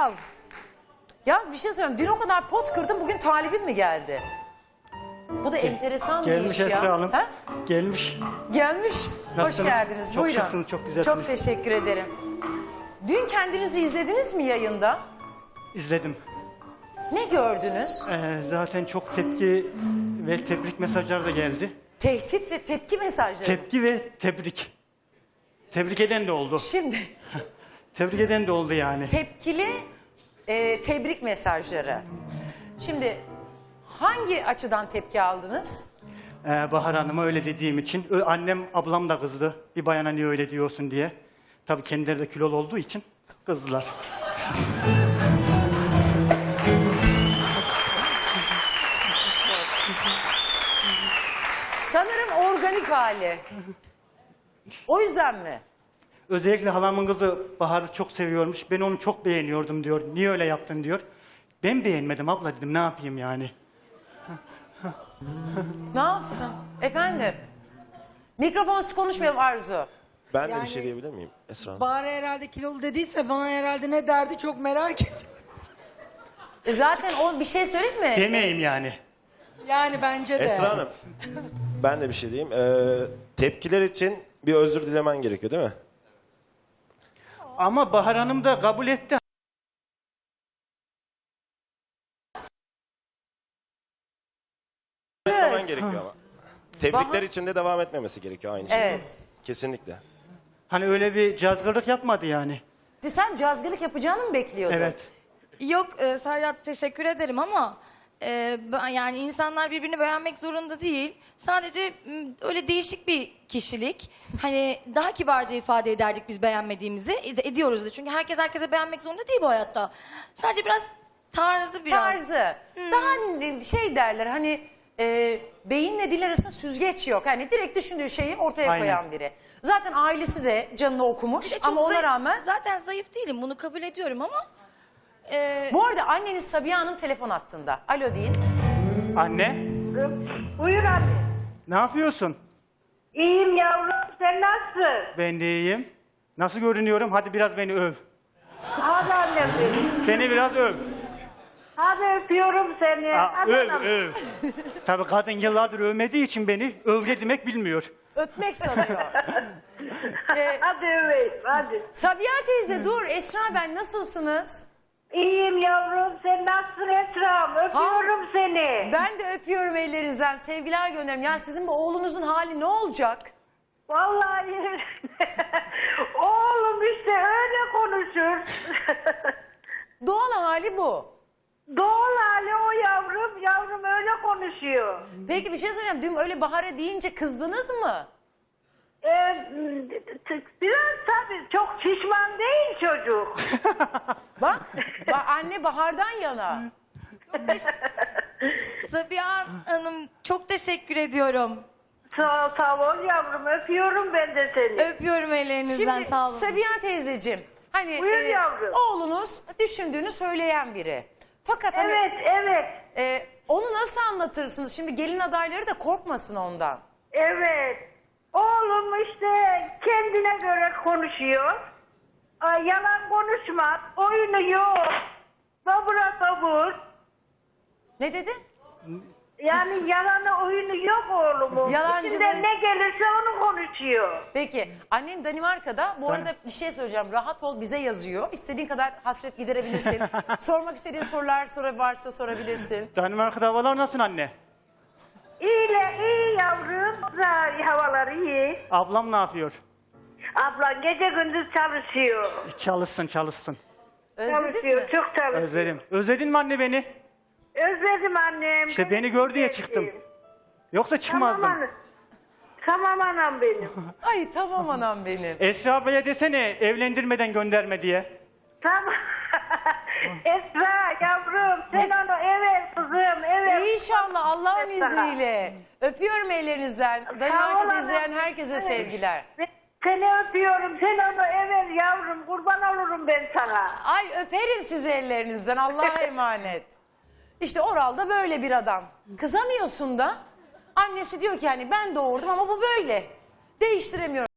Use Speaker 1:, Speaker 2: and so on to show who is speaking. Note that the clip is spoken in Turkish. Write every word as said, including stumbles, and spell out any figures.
Speaker 1: al. Yalnız bir şey söyleyeyim. Dün o kadar pot kırdım, bugün talibim mi geldi? Bu da enteresan bir
Speaker 2: Gelmiş
Speaker 1: iş ya.
Speaker 2: Esra Hanım.
Speaker 1: Ha?
Speaker 2: Gelmiş.
Speaker 1: Gelmiş.
Speaker 2: Nasılsınız?
Speaker 1: Hoş geldiniz.
Speaker 2: Çok
Speaker 1: Buyurun.
Speaker 2: şıksınız, çok güzelsiniz.
Speaker 1: Çok teşekkür ederim. Dün kendinizi izlediniz mi yayında?
Speaker 2: İzledim.
Speaker 1: Ne gördünüz?
Speaker 2: Ee, zaten çok tepki ve tebrik mesajları da geldi.
Speaker 1: Tehdit ve tepki mesajları.
Speaker 2: Tepki ve tebrik. Tebrik eden de oldu.
Speaker 1: Şimdi
Speaker 2: Tebrik eden de oldu yani.
Speaker 1: tepkili e, tebrik mesajları. Şimdi hangi açıdan tepki aldınız?
Speaker 2: Ee, Bahar Hanım'a öyle dediğim için. Ö- Annem, ablam da kızdı. Bir bayana niye öyle diyorsun diye. Tabii kendileri de kilolu olduğu için kızdılar.
Speaker 1: Sanırım organik hali. O yüzden mi?
Speaker 2: Özellikle halamın kızı Bahar'ı çok seviyormuş. Ben onu çok beğeniyordum diyor. Niye öyle yaptın diyor. Ben beğenmedim abla dedim. Ne yapayım yani?
Speaker 1: Ne yapsın? Efendim? Mikrofonsuz konuşmayalım Arzu.
Speaker 3: Ben de
Speaker 4: Yani-
Speaker 3: bir şey diyebilir miyim Esra Hanım?
Speaker 4: Bahar herhalde kilolu dediyse bana herhalde ne derdi çok merak ediyorum.
Speaker 1: E zaten o bir şey söyleyeyim mi?
Speaker 2: Demeyeyim yani.
Speaker 4: Yani bence de.
Speaker 3: Esra Hanım, ben de bir şey diyeyim. Ee, tepkiler için bir özür dilemen gerekiyor değil mi?
Speaker 2: Ama Bahar Hanım da kabul etti.
Speaker 3: Dilemen gerekiyor ama. Tebrikler
Speaker 1: Bahar-
Speaker 3: için de devam etmemesi gerekiyor aynı şekilde.
Speaker 1: Evet.
Speaker 3: Kesinlikle.
Speaker 2: Hani öyle bir cazgırlık yapmadı yani.
Speaker 1: Sen cazgırlık yapacağını mı bekliyordun?
Speaker 2: Evet.
Speaker 5: Yok e, Serhat teşekkür ederim ama e, ben- yani insanlar birbirini beğenmek zorunda değil. Sadece m, öyle değişik bir kişilik. Hani daha kibarca ifade ederdik biz beğenmediğimizi. Ed- ediyoruz da. Çünkü herkes herkese beğenmek zorunda değil bu hayatta. Sadece biraz tarzı biraz.
Speaker 1: Tarzı. Daha şey derler hani e, beyinle dil arasında süzgeç yok. Hani direkt düşündüğü şeyi ortaya
Speaker 2: Aynen.
Speaker 1: koyan biri. Zaten ailesi de canını okumuş
Speaker 5: Bir de çok
Speaker 1: ama ona
Speaker 5: zayıf-
Speaker 1: rağmen.
Speaker 5: Zaten zayıf değilim bunu kabul ediyorum ama. e,
Speaker 1: Bu arada anneniz Sabiha Hanım telefon hattında. Alo deyin.
Speaker 2: Anne,
Speaker 6: Buyur anne.
Speaker 2: ne yapıyorsun?
Speaker 6: İyiyim yavrum, sen nasılsın?
Speaker 2: Ben de iyiyim. Nasıl görünüyorum? Hadi biraz beni öv.
Speaker 6: Hadi annem benim.
Speaker 2: Beni biraz öv.
Speaker 6: Hadi öpüyorum seni.
Speaker 2: Aa,
Speaker 6: Hadi
Speaker 2: öv,
Speaker 6: anam.
Speaker 2: öv. Tabii kadın yıllardır övmediği için beni övle demek bilmiyor.
Speaker 1: Öpmek sanıyor. ee,
Speaker 6: Hadi öveyim, hadi.
Speaker 1: Sabiha teyze dur. Esra ben nasılsınız?
Speaker 6: İyiyim yavrum, sen nasılsın Esra'm? Öpüyorum seni.
Speaker 1: Ben de öpüyorum ellerinizden. Sevgiler gönderiyorum. Yani sizin bu oğlunuzun hali ne olacak?
Speaker 6: Vallahi oğlum işte öyle konuşur.
Speaker 1: Doğal hali bu.
Speaker 6: Doğal hali o yavrum, yavrum öyle konuşuyor.
Speaker 1: Peki bir şey söyleyeceğim. Dün öyle Bahar'a deyince kızdınız mı?
Speaker 6: Ee, t- biraz tabii çok şişman değil çocuk.
Speaker 1: Bak, bak anne Bahar'dan yana.
Speaker 5: Sabiha Hanım çok teşekkür ediyorum.
Speaker 6: Sağ, sağ ol yavrum, öpüyorum ben de seni.
Speaker 5: Öpüyorum ellerinizden
Speaker 1: Şimdi
Speaker 5: sağ olun.
Speaker 1: Sabiha teyzeciğim. Hani
Speaker 6: Buyur yavrum.
Speaker 1: oğlunuz düşündüğünü söyleyen biri. Fakat hani,
Speaker 6: Evet, evet,
Speaker 1: e, onu nasıl anlatırsınız? Şimdi gelin adayları da korkmasın ondan.
Speaker 6: evet. Oğlum işte kendine göre konuşuyor. Ay, yalan konuşmaz, oyunu yok. Babura babur.
Speaker 1: Ne dedi?
Speaker 6: Yani yalanı oyunu yok oğlumun.
Speaker 1: Yalancılığı-
Speaker 6: İçinden ne gelirse onu konuşuyor.
Speaker 1: Peki annen Danimarka'da. Bu arada bir şey söyleyeceğim. Rahat ol bize yazıyor. İstediğin kadar hasret giderebilirsin. Sormak istediğin sorular soru varsa sorabilirsin.
Speaker 2: Danimarka'da havalar nasıl anne?
Speaker 6: İyi, iyi yavrum. Güzel, havalar iyi.
Speaker 2: Ablam ne yapıyor?
Speaker 6: Ablan gece gündüz çalışıyor.
Speaker 2: Çalışsın çalışsın.
Speaker 1: Özledin
Speaker 6: Çalışıyor,
Speaker 1: mi?
Speaker 6: çok çalışıyor.
Speaker 2: Özledim. Özledin mi anne beni?
Speaker 6: Özledim annem.
Speaker 2: İşte beni gör diye çıktım. Yoksa çıkmazdım.
Speaker 6: Tamam anam. Tamam anam benim.
Speaker 1: Ay tamam anam benim.
Speaker 2: Esra ablaya desene evlendirmeden gönderme diye.
Speaker 6: Tamam. Esra yavrum sen onu evet kızım evet.
Speaker 1: İnşallah Allah'ın
Speaker 6: Esra.
Speaker 1: izniyle. Öpüyorum ellerinizden.
Speaker 6: Sağ ol
Speaker 1: Danimarka'da
Speaker 6: anam.
Speaker 1: izleyen herkese
Speaker 6: Evet.
Speaker 1: sevgiler.
Speaker 6: Seni öpüyorum. Sen onu evet yavrum kurban olurum ben sana.
Speaker 1: Ay öperim sizi ellerinizden. Allah'a emanet. İşte Oral da böyle bir adam. Kızamıyorsun da. Annesi diyor ki hani ben doğurdum ama bu böyle. Değiştiremiyorum.